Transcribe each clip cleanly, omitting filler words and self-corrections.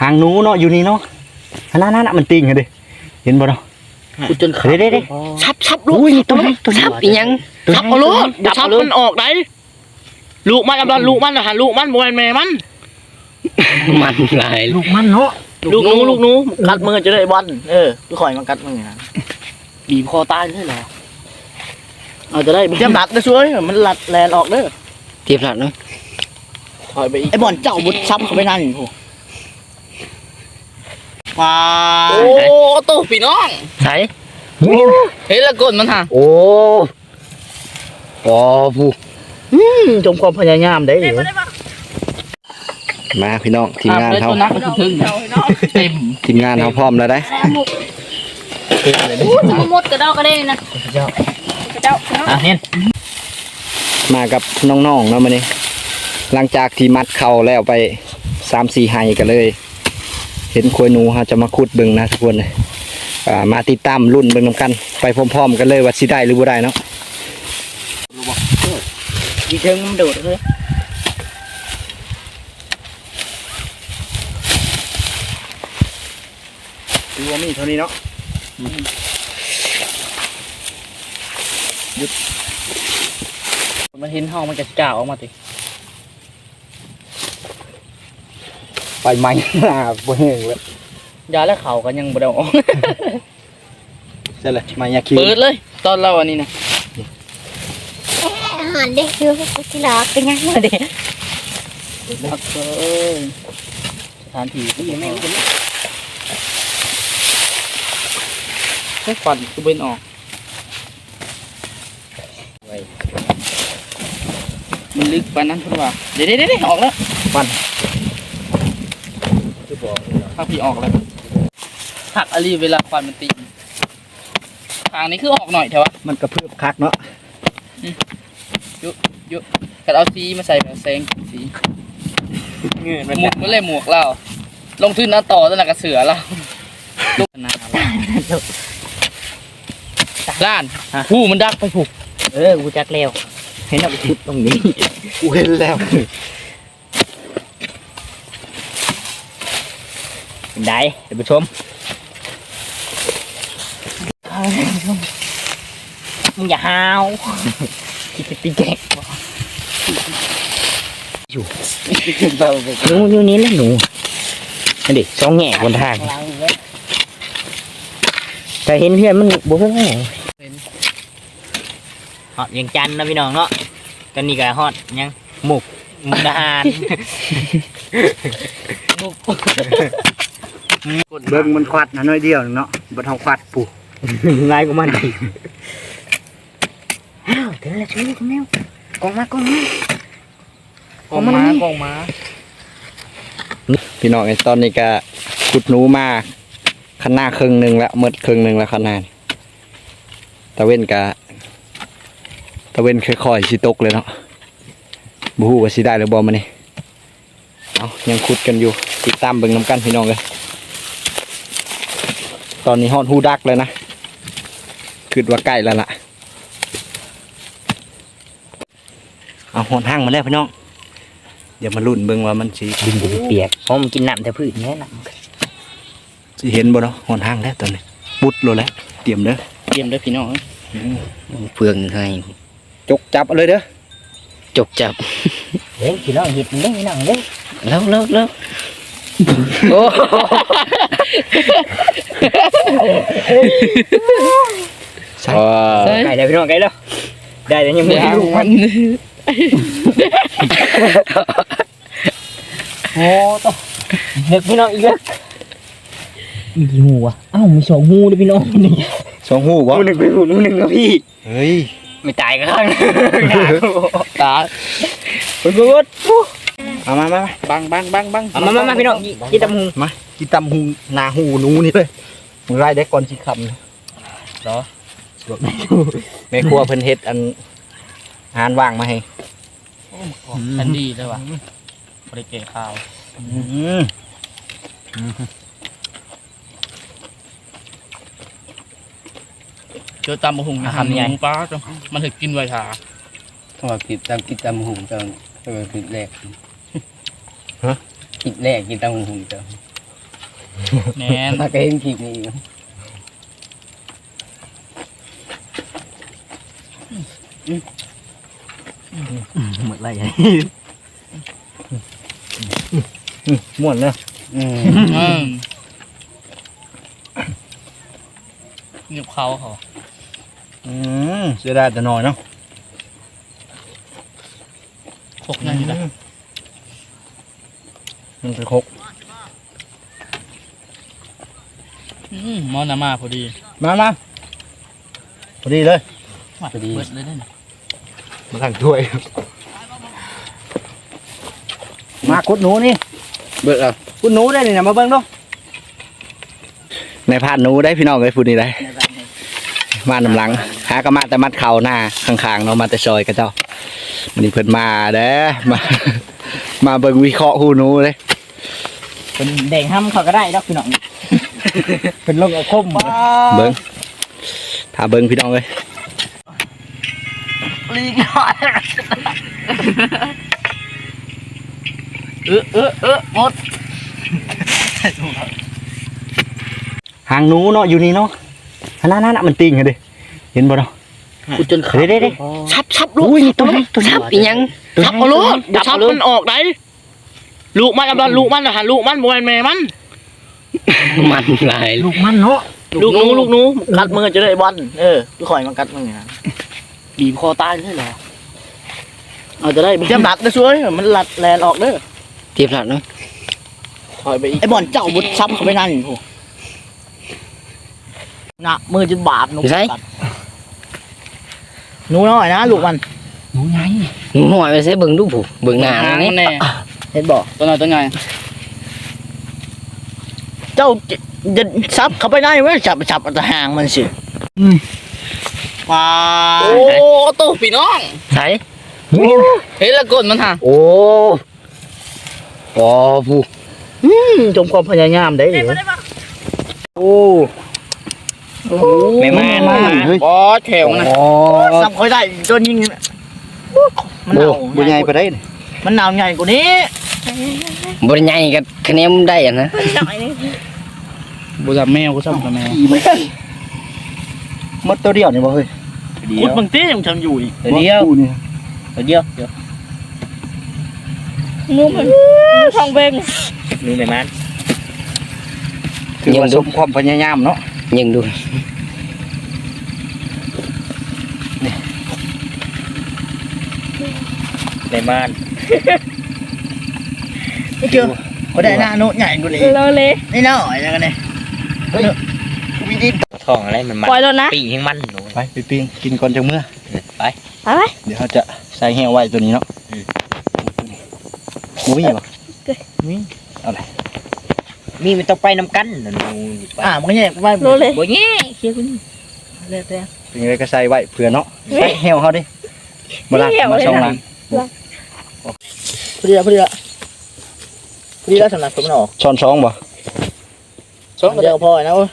หางหนูเนาะอยู่นี่เนาะนั่นมันติ่งกันดิเห็นบ่เนาะจนขาดเด้ชับลูกตัวชับอีหยังชับเอาลูกชับมันออกได้ลูกมันกำลังลูกมันนะฮะลูกมันโมยแม่มันลายลูกมันเนาะลูกหนูกัดมือจะได้บอลคือข่อยมันกัดมือนะบีบคอตายเลยเหรอเอาจะได้เตรียมหลัดนะช่วยมันหลัดแลนออกเด้อเตรียมหลัดเนาะถอยไปอีกไอ้บอลเจ้าบุดซ้ำเข้าไปนั่นอยู่ว้าโอ้ตัวพี่น้องใส่เฮ้ยละกดมันฮะโอ้ผู้จงความพยายามได้มาพี่น้องทีมงานเขาทีมงานเขาพร้อมแล้วได้หมดกระเดากระเด้นะกระเดาเห็นมากับน้องๆเนาะมาเนี่ยหลังจากที่มัดเข่าแล้วไป3-4 ไฮกันเลยเห็นควยหนูเขาจะมาขุดบึงนะทุกคนเลยมาติดตามรุ่นบึงน้ำกันไปพร้อมๆกันเลยว่าสิได้หรือบ่ได้เนาะดีเทิงมันโดดเลยดูว่ามีเท่านี้เนาะมันเห็นห้องมันจะจ่าออกมาติไปใหม่บ่เฮงเลยยาและเข่ากันยังบ่ได้ออกใช่เลยมายาคิวเปิดเลยตอนเราอันนี้นะอาหารเด็กอยู่ที่รักเป็นยังไงเด็กรักสถานที่ที่แม่งเป็นแค่ฟันคือเป็นออกมันลึกไปนั้นคุณว่าเดี๋ยวออกแล้วฟันถ้าพี่ออกแล้วหักอลีเวลาฟันมันตีทางนี้คือออกหน่อยเถอะวะมันกระเพื่อมคักเนาะยุกัดเอาสีมาใส่แบบแสงสีหมวกมันเลยหมวกเราลงทุนน้าต่อตะนักกระเสือเราลูกนาล้านผู้มันดักไปผูกกูจักแล้วเห็นเอาไปขุดตรงนี้กูเห็นแล้วเป็นได้เดี๋ยวไปชมมึงอย่าห้าวคิดจะตีแกะอยู่อยู่นี้แล้วหนูนั่นดิช่องแง่บนทางแต่เห็นเพื่อนมันบุกเข้ามาฮอดยังจันนะพี่น้องเนาะตอนนี้ก็ฮอดยังหมุกดาหารเบิ้งมันควัดนะน้อยเดียวเนาะบัดเฮาควัดปู่ง่ายกว่ามันอีกเดี๋ยวเราช่วยลูกแมวกองมาพี่น้องไอ้ตอนนี้ก็ขุดหนูมาขนาดครึ่งนึงแล้วหมดครึ่งนึงแล้วขนาดตะเว้นค่อยๆสิตกเลยเนาะบ่ฮู้ว่าสิได้หรือบ่มื้อนี้เอายังขุดกันอยู่ติดตามเบิ่งน้ำกันพี่น้องเลยตอนนี้ฮอดฮูดักเลยนะคิดว่าใกล้แล้วล่ะเอาหอนห้างมาแล้วพี่น้องเดี๋ยวมาลุ้นเบิ่งว่ามันสิดินจะเปียกเพราะมันกินน้ำแต่พืชแน่นอนสิเห็นบ่เนาะหอนห้างแล้วตอนนี้ปุดโลแล้วเตรียมเด้อพี่น้องเฟืองให้จกจับเลยเด้อจกจับเฮ้ยพี่น้องหยิบมันได้พี่น้องเด้แล้วโอ้ใช่ไก่ได้พี่น้องไก่แล้วได้แต่ยังไม่รู้มันโอ้ต่อเด็กพี่น้องอีกแล้วมีกี่หูวะอ้าวมี2 หูเลยพี่น้อง 2 หูวะหู 1ไปหู 1ครับพี่เฮ้ยไม่ตายกันข้างตายคุณเอามาบังมาพี่น้องกินตำหูมากินตำหูหนาหูหนูนี่เลยมึงไล่ได้ก่อนสิคำเหรอแม่ครัวเพิ่นเฮ็ดอันอาหารว่างมาให้อันดีเลยว่ะบริเกตข้าวเจอตำหุงทำยังไงป้าจังมันถึงกินไวชาเพราะว่ากินตำหุงจังกินแรกกินแรกกินตำหุงจังแน่นถ้าก็เห็นคลิปนี้หมดไรไงม่วนเนาะเงียบเขาเขาเสียดายแต่น้อยเนาะพกนั่นอยู่นะมันคือคกมอนามาพอดีมาพอดีเลยพอดีเบิดเลยนั่นมาสั่งถ้วยมาคุดหนูนี่เบิดอ่ะคุดหนูได้นี่นะมาเบิ่งดูในพานหนูได้พี่น้องเลยพูดนี่ได้มานำหลังหากระมาแต่มัดเข่าหน้าข้างๆเนาะมาแต่ซอยกับเจ้ามันนี่เพิ่นมาเด้อมาเบิ่งวิเคราะห์หูหนูเลยเป็นแดงห้ำเขาก็ได้ดอกพี่น้องเป็นลงอาคมเบิ่งถ้าเบิ่งพี่น้องเลยลีกหน่อยหมดหางหนูเนาะอยู่นี่เนาะนั่นมันติ่งเลยเห็นบ่เนาะกูจนขาเด้ชับลูกอุ้ยตัวนี้ตัวนี้ชับอีหยังชับเอาลูกชับมันออกได้ลูกมันกับลูกมันนะฮะลูกมันบวนแม่มันมันหลายลูกมันเนาะลูกหนูกัดมือจะได้บอลกูคอยมันกัดมือนะบีบคอตายเลยเหรอเอาจะได้เจ็บหนักนะช่วยมันหลัดแลนออกเด้อเทียบหลักเนาะถอยไปอีกไอ้บอลเจ้าบุดซ้ำเข้าไปนั่นโหน่ะมือจะบาดหนูหนูน้อยนะลูกมันหนูไงหนูหน่อยไปใช้เบิ่งดูผู้เบิ่งหน้านี่เห็นบอกตัวน้อยตัวใหญ่เจ้าจะซับเข้าไปได้ไหมจับแต่ห่างมันสิว้าโอ้ตู้พี่น้องใส่เห็นละกดมันฮะโอ้ผู้จมความพยายามได้เลยโอ้แม่มาเฮ้ยบอแถวนะซับค่อยได้จนยิงมันหนาวบุญใหญ่ไปได้มันหนาวใหญ่กว่านี้บ่ได้ใหญ่กับคะแนนได้อ่ะนะบุจับแมวกูซ้ำกับแมวมดตัวเดียวนี่บ่เฮ้ยคุดบางทียังทำอยู่อีกเดียวเดียวงูมันทองเบงงูไหนมันคือว่าสมความพยายามเนาะยิงดูไหนมันไม่เจอเขาได้หน้าโน้ตใหญ่กว่านี้เลยนี่น้อยยังไงเนี่ยวิธีทองอะไรมันปล่อยแล้วนะปีให้มันหนูไปปิ้งกินก่อนจังเมื่อไปเอาไปเดี๋ยวเขาจะใส่แห้วไว้ตัวนี้เนาะมุ้ยป่ะมีมันต้องไปนำกันหนูมันก็แยกไปโลเลยบ่แย่เคลียร์คุณเรื่อยเป็นไงก็ใส่ไว้เผื่อเนาะใส่แห้วเขาดิมาละมาช่องหลังพอดีแล้วสำหรับผมมันออกช้อนช้องบ่เดียวพอนะเว้ย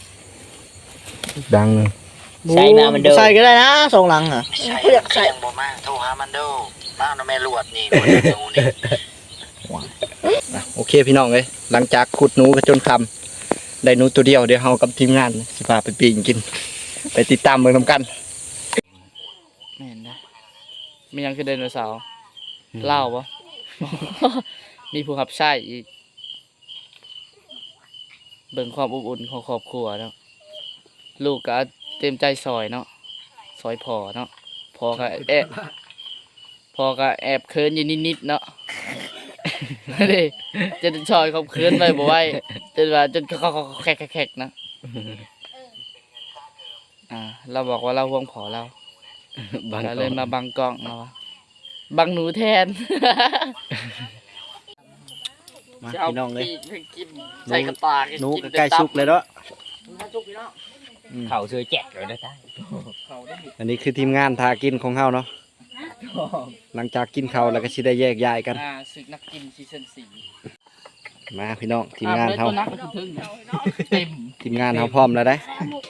ดังเลยใส่มามันเดิมใส่ก็ได้นะสองหลังอ่ะใส่ยังบ่มาโทรหามันเด้อมาเอาแม่ลวดนี่หนูนี่โอเคพี่น้องเลยหลังจากขุดหนูกันจนคำได้หนูตัวเดียวเดี๋ยวเรากับทีมงานสิพาไปปีนกิน ไปติดตามเมืองนำกันไม่เห็นนะมียังคือไดโนเสาร์เล่าปะ มีผู้ขับใช้อีกเบิ่งความอบอุ่นของครอบครัวเนาะลูกก็เต็มใจซอยเนาะซอยพอเนาะพอก็แอบเคินอยู่นิดๆเนาะ นี่จะซอยเขาเคินไปบ่ไหวจนว่าจนเขาแขกๆนะเราบอกว่าเราห่วงพอเราเราเลยมาบังกล้องเนาะบังหนูแทนมาพี่น้องเลยใส่กระตาหนูก็ใกล้สุกเลยเนาะเขาซื้อแจกเลยได้อันนี้คือทีมงานทากินของเฮาเนาะหลังจากกินเขาวแล้วก็สิได้แยกย้ายกันศึกนักกินซีซั่น4 มาพี่น้องทีมงานเฮาเต็มทีมงานเฮาพร้อมแล้วได้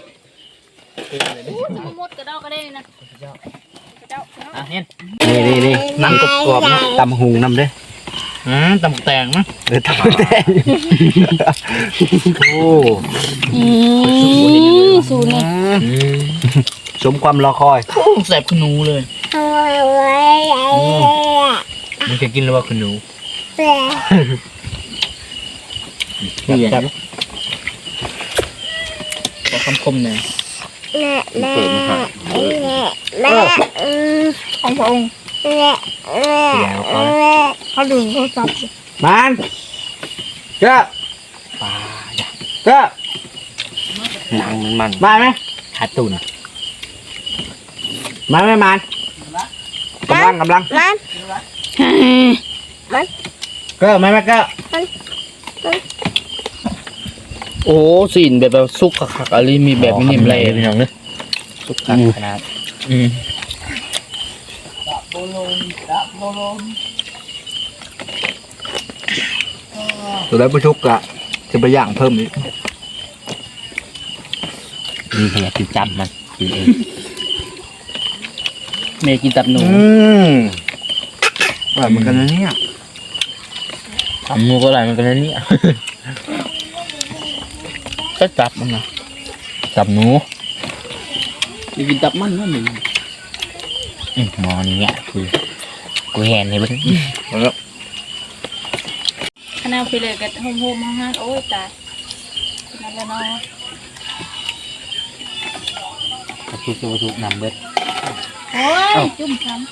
หมดกระดอกกระเด้นะเนี่ยนี่นั่งกรอบๆนะตำหุงนำเด้อตำแตงมั้งทำแต่โอ้สูนี่สมความรอคอยแสบขนูเลยมึงจะกินหรือว่าคุณหนูนี่ไงขอคำคมหน่อยของพระองค์เขาดึงเขาจับมันเจ้าเจ้าหนังมันมาไหมขาตุนมาไหมมันกำลังก็มาไหมก็โอ้สินแบบซุกคักๆอะไรมีแบบมินิมเลยพี่น้องเนอะซุกคักขนาดตัวได้ประชุกอะจะไปย่างเพิ่มอีกมีขยะติดจับมันกินเองเมย์กินตับหนูอร่อยเหมือนกันนะเนี่ยหมูก็อร่อยเหมือนกันนะเนี่ยก็จับมันนะจับหนูจะกินตับมันนั่นเองหมอนี่เนี่ยกูแหนให้เบิ้งขนาดไปเลยกับโฮมห้างโอ้ยตายนั่นแหละเนาะทุกนำเบิ้งโอ้ยจุ่มช้ำ